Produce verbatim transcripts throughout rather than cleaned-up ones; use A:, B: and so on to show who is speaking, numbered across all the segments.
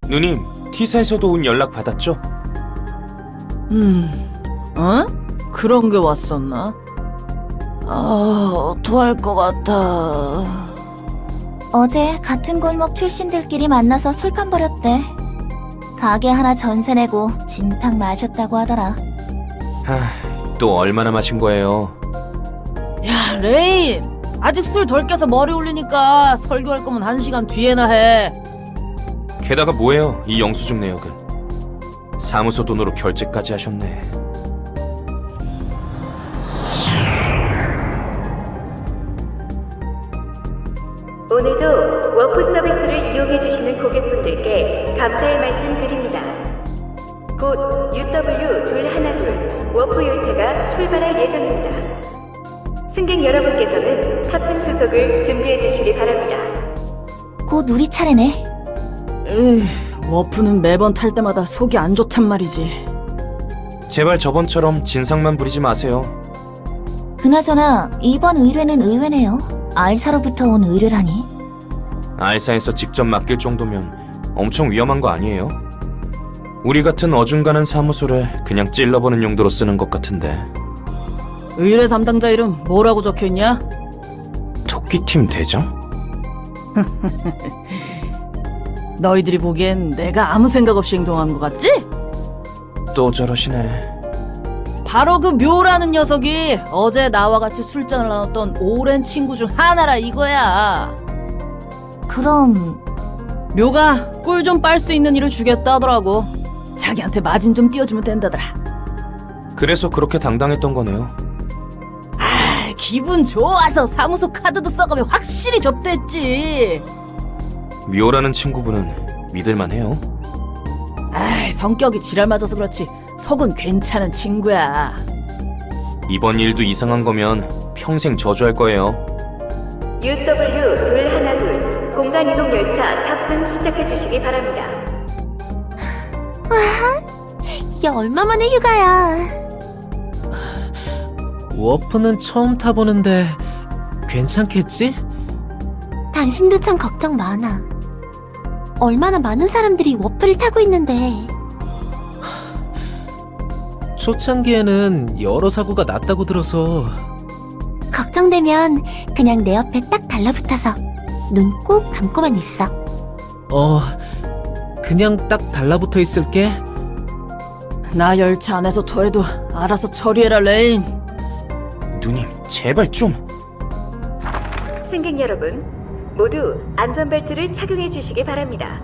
A: 누님, T사에서도 온 연락 받았죠?
B: 음, 어? 그런 게 왔었나? 아, 어떡할 것 같아.
C: 어제 같은 골목 출신들끼리 만나서 술판 벌였대. 가게 하나 전세 내고 진탕 마셨다고 하더라.
A: 하, 또 얼마나 마신 거예요?
B: 야, 레인! 아직 술 덜 깨서 머리 올리니까 설교할 거면 한 시간 뒤에나 해.
A: 게다가 뭐예요, 이 영수증 내역은. 사무소 돈으로 결제까지 하셨네.
D: 오늘도 워프 서비스를 이용해주시는 고객분들께 감사의 말씀 드립니다. 곧 유더블유 둘하나둘 워프 열차가 출발할 예정입니다. 승객 여러분께서는 탑승 수속을 준비해주시기 바랍니다.
C: 곧 우리 차례네.
B: 으, 워프는 매번 탈 때마다 속이 안 좋단 말이지.
A: 제발 저번처럼 진상만 부리지 마세요.
C: 그나저나 이번 의뢰는 의외네요. 알사로부터 온 의뢰라니.
A: 알사에서 직접 맡길 정도면 엄청 위험한 거 아니에요? 우리 같은 어중간한 사무소를 그냥 찔러보는 용도로 쓰는 것 같은데.
B: 의뢰 담당자 이름 뭐라고 적혀있냐?
A: 토끼팀 대장?
B: 너희들이 보기엔 내가 아무 생각 없이 행동한 것 같지?
A: 또 저러시네.
B: 바로 그 묘라는 녀석이 어제 나와 같이 술잔을 나눴던 오랜 친구 중 하나라 이거야.
C: 그럼
B: 묘가 꿀 좀 빨 수 있는 일을 주겠다 하더라고. 자기한테 마진 좀 띄워주면 된다더라.
A: 그래서 그렇게 당당했던 거네요.
B: 아, 기분 좋아서 사무소 카드도 써가며 확실히 접대했지.
A: 미호라는 친구분은 믿을만 해요?
B: 아, 성격이 지랄 맞아서 그렇지 속은 괜찮은 친구야.
A: 이번 일도 이상한 거면 평생 저주할 거예요.
D: 유더블유 둘하나둘 공간이동 열차 탑승 시작해주시기 바랍니다.
C: 이게 얼마만에 휴가야.
E: 워프는 처음 타보는데 괜찮겠지?
C: 당신도 참 걱정 많아. 얼마나 많은 사람들이 워프를 타고 있는데.
E: 초창기에는 여러 사고가 났다고 들어서.
C: 걱정되면 그냥 내 옆에 딱 달라붙어서 눈 꼭 감고만 있어.
E: 어, 그냥 딱 달라붙어 있을게.
B: 나 열차 안에서 토해도 알아서 처리해라 레인.
A: 누님, 제발 좀.
D: 승객 여러분, 모두 안전벨트를 착용해 주시기 바랍니다.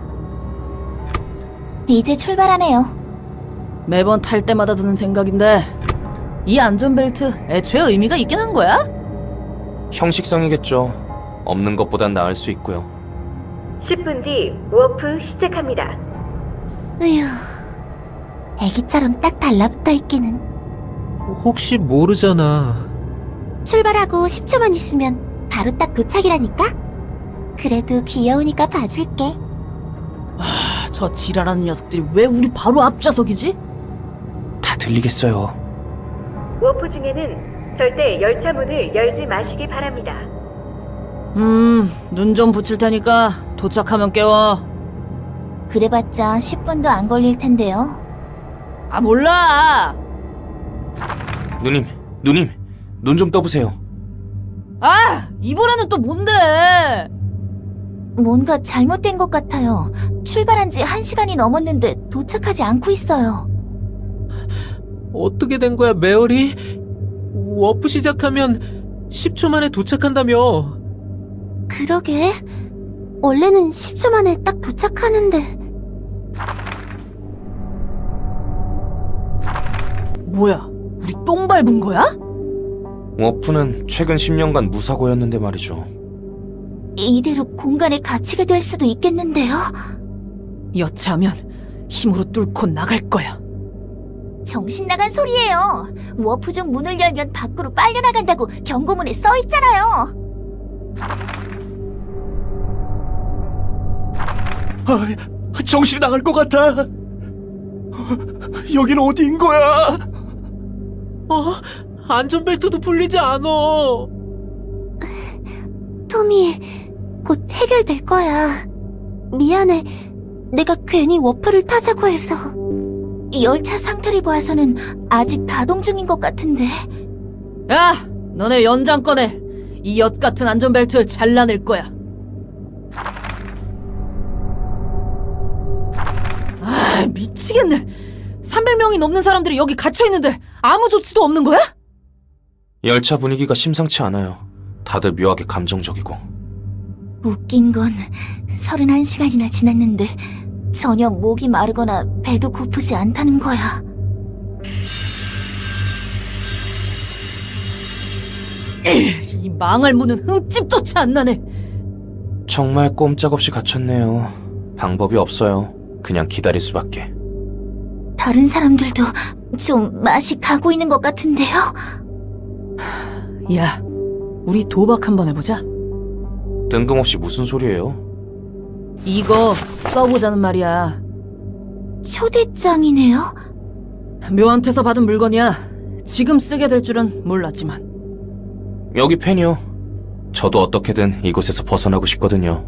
C: 이제 출발하네요.
B: 매번 탈 때마다 드는 생각인데 이 안전벨트 애초에 의미가 있긴 한 거야?
A: 형식상이겠죠. 없는 것보단 나을 수 있고요.
D: 십 분 뒤 워프 시작합니다.
C: 으휴, 애기처럼 딱 달라붙어 있기는.
E: 혹시 모르잖아.
C: 출발하고 십 초만 있으면 바로 딱 도착이라니까? 그래도 귀여우니까 봐줄게.
B: 아, 저 지랄하는 녀석들이 왜 우리 바로 앞좌석이지?
A: 다 들리겠어요.
D: 워프 중에는 절대 열차 문을 열지 마시기 바랍니다.
B: 음, 눈 좀 붙일 테니까 도착하면 깨워.
C: 그래봤자 십 분도 안 걸릴 텐데요.
B: 아, 몰라.
A: 누님, 누님, 눈 좀 떠보세요.
B: 아, 이번에는 또 뭔데?
C: 뭔가 잘못된 것 같아요. 출발한 지 한 시간이 넘었는데 도착하지 않고 있어요.
E: 어떻게 된 거야, 메어리? 워프 시작하면 십 초 만에 도착한다며.
C: 그러게. 원래는 십 초 만에 딱 도착하는데.
B: 뭐야, 우리 똥 밟은 거야?
A: 워프는 최근 십 년간 무사고였는데 말이죠.
C: 이대로 공간에 갇히게 될 수도 있겠는데요?
B: 여차하면 힘으로 뚫고 나갈 거야.
C: 정신 나간 소리예요. 워프 중 문을 열면 밖으로 빨려나간다고 경고문에 써 있잖아요.
F: 아, 정신이 나갈 것 같아. 여긴 어디인 거야?
E: 어? 안전벨트도 풀리지 않아.
C: 토미, 곧 해결될 거야. 미안해. 내가 괜히 워프를 타자고 해서. 이 열차 상태를 보아서는 아직 가동 중인 것 같은데.
B: 야, 너네 연장 꺼내. 이 엿 같은 안전벨트 잘라낼 거야. 아, 미치겠네. 삼백 명이 넘는 사람들이 여기 갇혀 있는데 아무 조치도 없는 거야?
A: 열차 분위기가 심상치 않아요. 다들 묘하게 감정적이고.
C: 웃긴 건 서른한 시간이나 지났는데 전혀 목이 마르거나 배도 고프지 않다는 거야.
B: 이 망할 문은 흠집조차 안 나네.
A: 정말 꼼짝없이 갇혔네요. 방법이 없어요. 그냥 기다릴 수밖에.
C: 다른 사람들도 좀 맛이 가고 있는 것 같은데요?
B: 야, 우리 도박 한번 해보자.
A: 뜬금없이 무슨 소리예요?
B: 이거 써보자는 말이야.
C: 초대장이네요?
B: 묘한테서 받은 물건이야. 지금 쓰게 될 줄은 몰랐지만.
A: 여기 펜이요. 저도 어떻게든 이곳에서 벗어나고 싶거든요.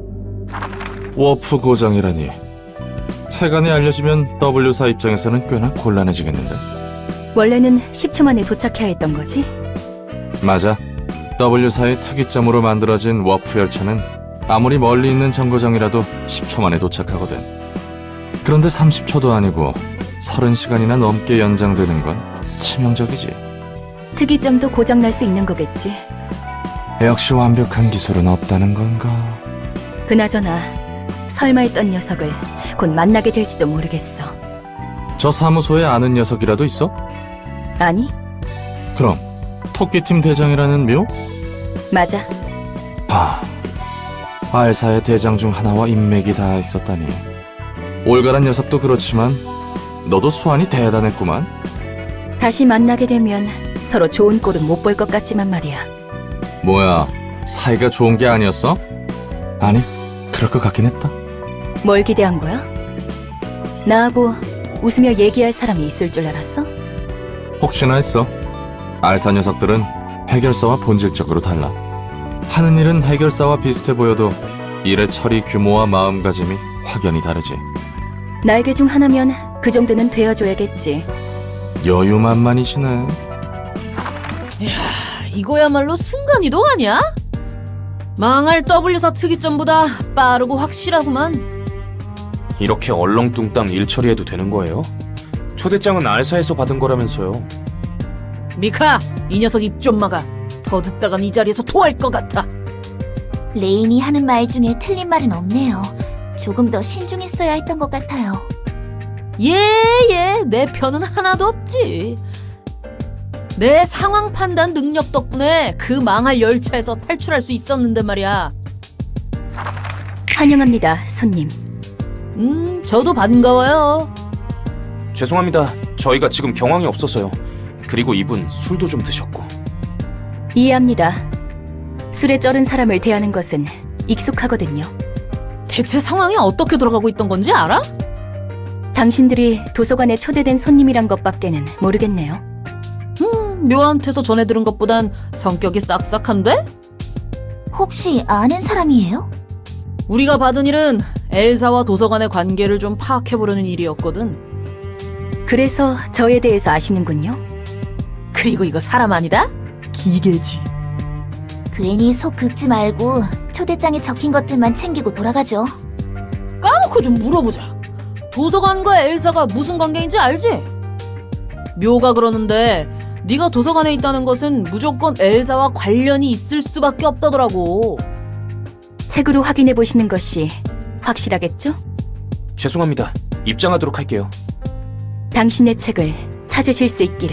G: 워프 고장이라니. 세간에 알려지면 W사 입장에서는 꽤나 곤란해지겠는데.
H: 원래는 십 초 만에 도착해야 했던 거지?
G: 맞아. W사의 특이점으로 만들어진 워프 열차는 아무리 멀리 있는 정거장이라도 십 초 만에 도착하거든. 그런데 삼십 초도 아니고 서른 시간이나 넘게 연장되는 건 치명적이지.
H: 특이점도 고장날 수 있는 거겠지.
G: 역시 완벽한 기술은 없다는 건가?
H: 그나저나 설마 했던 녀석을 곧 만나게 될지도 모르겠어.
G: 저 사무소에 아는 녀석이라도 있어?
H: 아니,
G: 그럼 토끼팀 대장이라는 묘?
H: 맞아.
G: 아, 알사의 대장 중 하나와 인맥이 다 있었다니. 올가란 녀석도 그렇지만 너도 수완이 대단했구만.
H: 다시 만나게 되면 서로 좋은 꼴은 못 볼 것 같지만 말이야.
G: 뭐야, 사이가 좋은 게 아니었어? 아니, 그럴 것 같긴 했다.
H: 뭘 기대한 거야? 나하고 웃으며 얘기할 사람이 있을 줄 알았어?
G: 혹시나 했어. 알사 녀석들은 해결사와 본질적으로 달라. 하는 일은 해결사와 비슷해 보여도 일의 처리 규모와 마음가짐이 확연히 다르지.
H: 날개 중 하나면 그 정도는 되어줘야겠지.
G: 여유만만이시네.
B: 이거야말로 순간이동 아니야? 망할 W사 특이점보다 빠르고 확실하구만.
A: 이렇게 얼렁뚱땅 일 처리해도 되는 거예요? 초대장은 알사에서 받은 거라면서요.
B: 미카, 이 녀석 입 좀 막아. 더 듣다간 이 자리에서 토할 것 같아.
C: 레인이 하는 말 중에 틀린 말은 없네요. 조금 더 신중했어야 했던 것 같아요.
B: 예, 예, 내 편은 하나도 없지. 내 상황 판단 능력 덕분에 그 망할 열차에서 탈출할 수 있었는데 말이야.
H: 환영합니다, 손님.
B: 음, 저도 반가워요.
A: 죄송합니다. 저희가 지금 경황이 없어서요. 그리고 이분 술도 좀 드셨고.
H: 이해합니다. 술에 쩔은 사람을 대하는 것은 익숙하거든요.
B: 대체 상황이 어떻게 돌아가고 있던 건지 알아?
H: 당신들이 도서관에 초대된 손님이란 것밖에는 모르겠네요.
B: 음, 묘한테서 전해 들은 것보단 성격이 싹싹한데?
C: 혹시 아는 사람이에요?
B: 우리가 받은 일은 엘사와 도서관의 관계를 좀 파악해보려는 일이었거든.
H: 그래서 저에 대해서 아시는군요.
B: 그리고 이거 사람 아니다? 기계지.
C: 괜히 속 긁지 말고 초대장에 적힌 것들만 챙기고 돌아가죠.
B: 까놓고 좀 물어보자. 도서관과 엘사가 무슨 관계인지 알지? 묘가 그러는데 네가 도서관에 있다는 것은 무조건 엘사와 관련이 있을 수밖에 없다더라고.
H: 책으로 확인해 보시는 것이 확실하겠죠?
A: 죄송합니다. 입장하도록 할게요.
H: 당신의 책을 찾으실 수 있기를.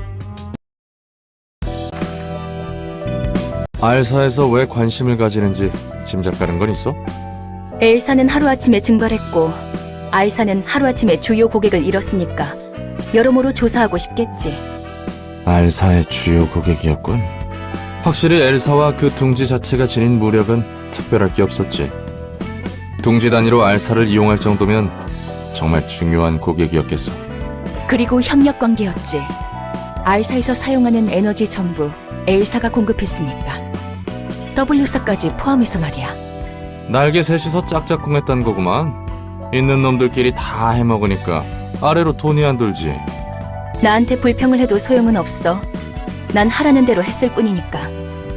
G: 알사에서 왜 관심을 가지는지 짐작 가는 건 있어?
H: 엘사는 하루아침에 증발했고 알사는 하루아침에 주요 고객을 잃었으니까 여러모로 조사하고 싶겠지.
G: 알사의 주요 고객이었군. 확실히 엘사와 그 둥지 자체가 지닌 무력은 특별할 게 없었지. 둥지 단위로 알사를 이용할 정도면 정말 중요한 고객이었겠어.
H: 그리고 협력 관계였지. 알사에서 사용하는 에너지 전부 엘사가 공급했으니까. W사까지 포함해서 말이야.
G: 날개 셋이서 짝짝꿍했단 거구만. 있는 놈들끼리 다 해먹으니까 아래로 돈이 안 돌지.
H: 나한테 불평을 해도 소용은 없어. 난 하라는 대로 했을 뿐이니까.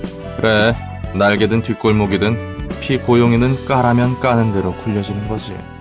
G: 그래, 날개든 뒷골목이든 피고용이는 까라면 까는 대로 굴려지는 거지.